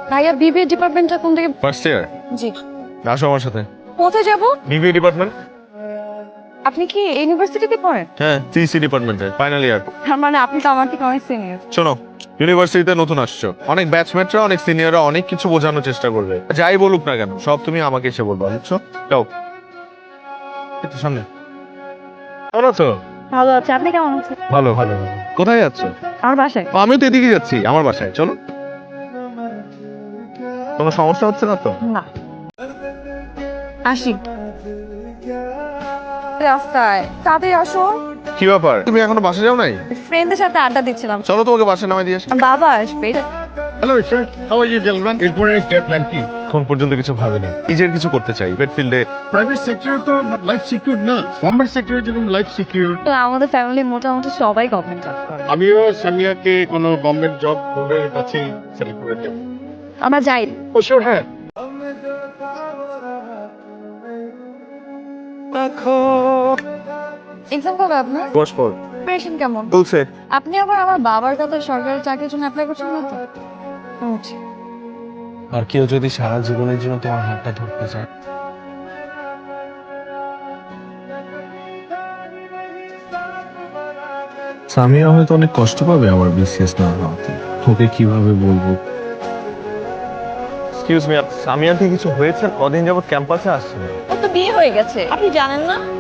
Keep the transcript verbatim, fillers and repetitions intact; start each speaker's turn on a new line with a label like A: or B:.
A: ভাইয়া বিবিএ ডিপার্টমেন্টটা কোন থেকে?
B: First year.
A: জি।
B: আসো আমার সাথে।
A: কোথায় যাব?
B: BBA department.
A: আপনি কি ইউনিভার্সিটিতে পড়েন?
B: হ্যাঁ, সিসি ডিপার্টমেন্টে ফাইনাল ইয়ার।
A: তার মানে আপনি তো আমার থেকে অনেক সিনিয়র।
B: শোনো, ইউনিভার্সিটিতে নতুন আসছো, অনেক ব্যাচমেটরা অনেক সিনিয়ররা অনেক কিছু বোঝানোর চেষ্টা করবে, যাই বলুক না কেন সব তুমি আমাকে এসে বলবা, বুঝছো? যাও একটু সামনে। কেমন আছো?
A: ভালো আছে, আপনি কেমন আছেন?
B: ভালো ভালো। কোথায় যাচ্ছো?
A: আমার বাসায়।
B: ও, আমিও তো এদিকে যাচ্ছি, আমার বাসায় চলো। কোনো সমস্যা হচ্ছে না তো?
A: না। আসি। রাস্তায় তাড়াতাড়ি আসো।
B: কি ব্যাপার, তুমি এখনো বাসা যাও নাই?
A: ফ্রেন্ডদের সাথে আড্ডা দিচ্ছিলাম।
B: চলো তোমাকে বাসায় নামাই দিয়ে আসি।
A: বাবা আসবে।
B: Hello sir, how are you gentleman? এরপরে স্টেপ প্ল্যান কি? এখন পর্যন্ত কিছু ভাবিনি, নিজের কিছু করতে চাই পেট ফিল্ডে।
C: প্রাইভেট সেক্টরে তো লাইফ সিকিউর না, গভর্নমেন্ট সেক্টরে যেরকম লাইফ সিকিউর।
A: তো আমাদের ফ্যামিলি মোটামুটি সবাই গভর্নমেন্ট জব।
C: আমিও সামিয়াকে কোনো গভর্নমেন্ট জব করে কাছে সেলেক্ট করে দেব।
A: আমরা যাই।
C: ও শিওর, হ্যাঁ।
A: এক্সাম কবে আপনার?
B: বস পর
A: প্রিপারেশন কেমন?
B: বলছে।
A: আপনি আবার আমার বাবার কাছে সরকারি চাকরির জন্য অ্যাপ্লাই করছেন না তো? আচ্ছা।
D: আর কেউ যদি সারা জীবনের জন্য তোমার হাতটা ধরতে চায়, সামিয়া হয়তো অনেক কষ্ট পাবে আমার বিসিএস না হওয়াতে। ওকে কিভাবে বলবো?
B: এক্সকিউজ মি, সামিয়ার কি কিছু হয়েছে? কদিন যাবত ক্যাম্পাসে আসছে না।
A: ওর তো বিয়ে হয়ে গেছে, আপনি জানেন না?